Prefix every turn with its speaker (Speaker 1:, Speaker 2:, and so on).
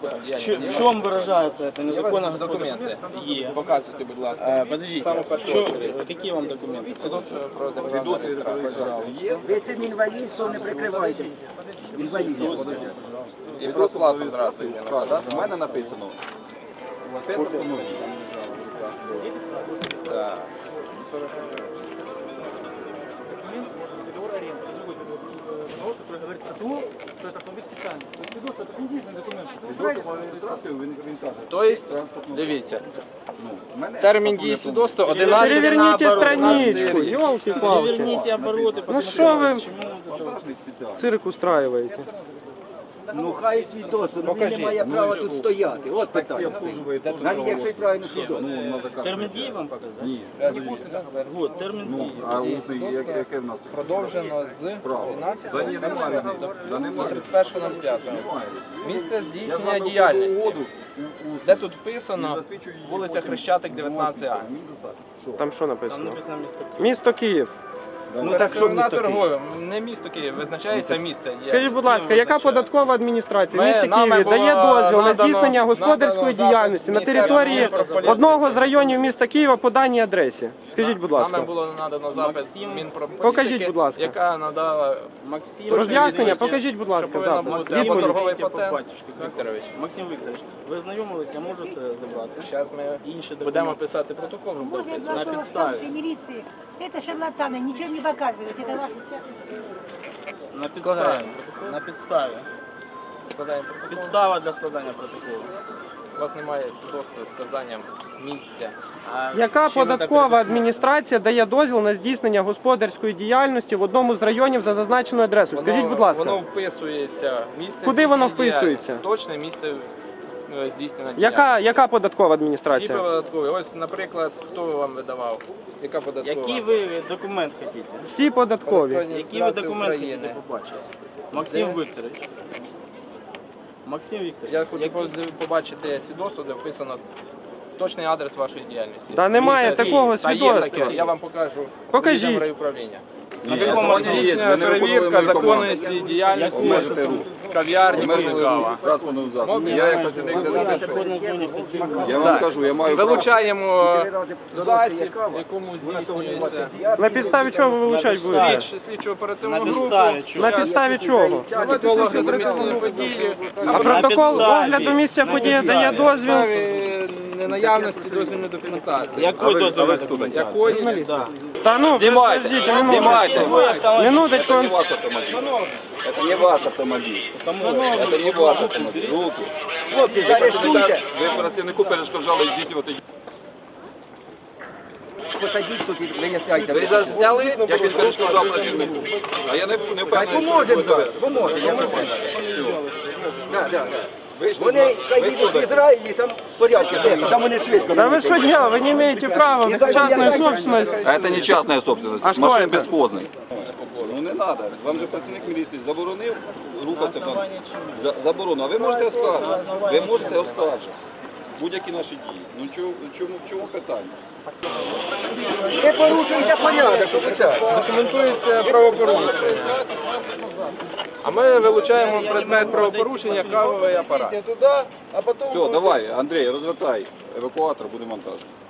Speaker 1: там діяльність.
Speaker 2: В чому виражається це незаконна
Speaker 1: Документи
Speaker 2: Є.
Speaker 1: показуйте, будь ласка.
Speaker 2: Подождите,
Speaker 1: Саме першу очередь.
Speaker 2: які вам документи?
Speaker 1: Свідоцтво про державну реєстрацію.
Speaker 3: Ви цим інвалідством не прикривайтесь. Інвалідом.
Speaker 1: І про сплату зразу є.
Speaker 4: У мене написано.
Speaker 1: Так.
Speaker 2: Который говорит о том, что это автомобиль специальный. То есть свидетельство это не единственный документ.
Speaker 1: Тобто, дивіться, термін дії свідоцтва 11
Speaker 5: Переверните страничку, елки-палки.
Speaker 2: Переверните обороты,
Speaker 5: Ну что вы
Speaker 2: почему
Speaker 5: цирк устраиваете?
Speaker 3: Ну хай свідоцтво, ну він не має права тут стояти. От питання. Навіть якщо й правильно свідоцтво.
Speaker 2: термін дії вам показати? Ні. Вот, термін дії.
Speaker 4: Яке в нас?
Speaker 1: продовжено з 12 до 31.05. Місце здійснення діяльності. Де тут вписано вулиця Хрещатик, 19А.
Speaker 5: Там що написано?
Speaker 2: Написано місто Київ.
Speaker 5: Місто Київ.
Speaker 1: Ну так що на торгове, не місто Київ, визначається місце.
Speaker 5: Скажіть, будь ласка, яка податкова адміністрація в місті
Speaker 1: Нами
Speaker 5: Києві
Speaker 1: було
Speaker 5: дає дозвіл на
Speaker 1: надано-
Speaker 5: здійснення господарської
Speaker 1: надано
Speaker 5: діяльності на
Speaker 1: запит
Speaker 5: території
Speaker 1: Міністерства внутрішніх
Speaker 5: одного з районів міста Києва по даній адресі? Скажіть, будь
Speaker 1: Нами
Speaker 5: ласка.
Speaker 1: було надано запит Мінпрополітики,
Speaker 5: Покажіть, будь ласка.
Speaker 1: яка надала
Speaker 2: Максим.
Speaker 5: Роз'яснення, покажіть, будь ласка,
Speaker 1: повинна
Speaker 5: запит.
Speaker 1: бути
Speaker 5: Відповідь.
Speaker 1: або торговий
Speaker 2: По
Speaker 1: патент.
Speaker 2: батюшки, як?
Speaker 1: Вікторович,
Speaker 2: Максим Вікторович, ви знайомились, я можу це забрати?
Speaker 1: зараз ми
Speaker 2: Інші документи.
Speaker 1: будемо писати протокол.
Speaker 6: Можно я
Speaker 2: На
Speaker 6: два
Speaker 2: підставі.
Speaker 6: слова милиции? Это шарлатаны, ничего не показывают. Это ваши
Speaker 2: На підставі.
Speaker 1: Складаємо.
Speaker 2: На підставі.
Speaker 1: Складаємо протокол.
Speaker 2: Підстава для складання протоколу.
Speaker 1: У вас немає свідоцтва з вказанням місця.
Speaker 5: Яка
Speaker 2: Чим ви
Speaker 5: податкова
Speaker 2: так
Speaker 5: адміністрація дає дозвіл на здійснення господарської діяльності в одному з районів за зазначеною адресою? Скажіть, будь ласка.
Speaker 1: Воно вписується місце.
Speaker 5: Куди воно
Speaker 1: здійснення
Speaker 5: вписується?
Speaker 1: діяльності. Точне місце здійснення діяльності.
Speaker 5: Яка податкова
Speaker 1: Всі
Speaker 5: адміністрація?
Speaker 1: податкові. Ось, наприклад, хто вам видавав? Яка податкова?
Speaker 2: Який ви документ хочете?
Speaker 5: Всі податкові.
Speaker 2: Які ви документи хочете побачити? Максим Вікторович. Максим Вікторович.
Speaker 1: Я хочу побачити свідоцтво, де вписано точний адрес вашої діяльності.
Speaker 5: Та немає
Speaker 1: Місто
Speaker 5: такого
Speaker 1: Київ. Та є
Speaker 5: свідоцтва.
Speaker 1: таке, я вам покажу.
Speaker 5: Покажіть.
Speaker 1: Поїдемо в райуправління.
Speaker 2: На якому
Speaker 1: Здійснює перевірка законності діяльності
Speaker 4: Обмежити рух.
Speaker 1: кав'ярні
Speaker 4: Обмежили
Speaker 1: Полігава.
Speaker 4: рух транспортного засобу. Я як працівник державної я вам
Speaker 1: Так.
Speaker 4: кажу, я маю право.
Speaker 1: Вилучаємо засіб, в якому здійснюється
Speaker 5: На підставі чого ви вилучати будете?
Speaker 1: слідчо оперативну
Speaker 2: На
Speaker 1: групу.
Speaker 2: підставі чого?
Speaker 5: На підставі чого?
Speaker 1: Протокол огляду місця події.
Speaker 5: А протокол огляду місця події дає дозвіл.
Speaker 1: Підставі ненаявності дозвільної документації.
Speaker 2: Якої дозвільної документації?
Speaker 1: Якої? Да.
Speaker 5: Та ну,
Speaker 4: Знімайте,
Speaker 5: подождіть,
Speaker 4: знімайте.
Speaker 5: минуточку.
Speaker 4: Это не ваш автомобиль. Это не ваш автомобиль. Это не ваш автомобиль. Руки.
Speaker 3: Хлопці, заарештуйте.
Speaker 4: Ви працівнику перешкоджали здійснювати.
Speaker 3: Посадіть тут і виясняйте.
Speaker 4: Ви засняли, як він перешкоджав працівнику. А я не
Speaker 3: Хай
Speaker 4: впевнений, що ви
Speaker 3: поможемо,
Speaker 4: будете
Speaker 3: так,
Speaker 4: вести.
Speaker 3: поможемо, якщо треба. Да, да, да.
Speaker 4: Вийшли
Speaker 3: Вони хай
Speaker 4: ви
Speaker 3: їдуть в
Speaker 4: туди.
Speaker 3: Ізраїль і там порядки зроблять, там вони швидко.
Speaker 5: Да вы что делаете? Вы не имеете права в частную собственность.
Speaker 4: А это не частная собственность.
Speaker 5: А что
Speaker 4: Машин
Speaker 5: это?
Speaker 4: бесхозный. Ну не треба. Вам же працівник міліції заборонив рухатися там. Заборонив. А ви можете оскаржити. Ви можете оскаржити. Будь-які наші дії. Ну чому питання?
Speaker 3: Не порушуйте порядок, вибачайте.
Speaker 1: Документується правопорушення. А ми вилучаємо предмет правопорушення кавовий апарат.
Speaker 4: Все, давай, Андрій, розвертай евакуатор, буде монтаж.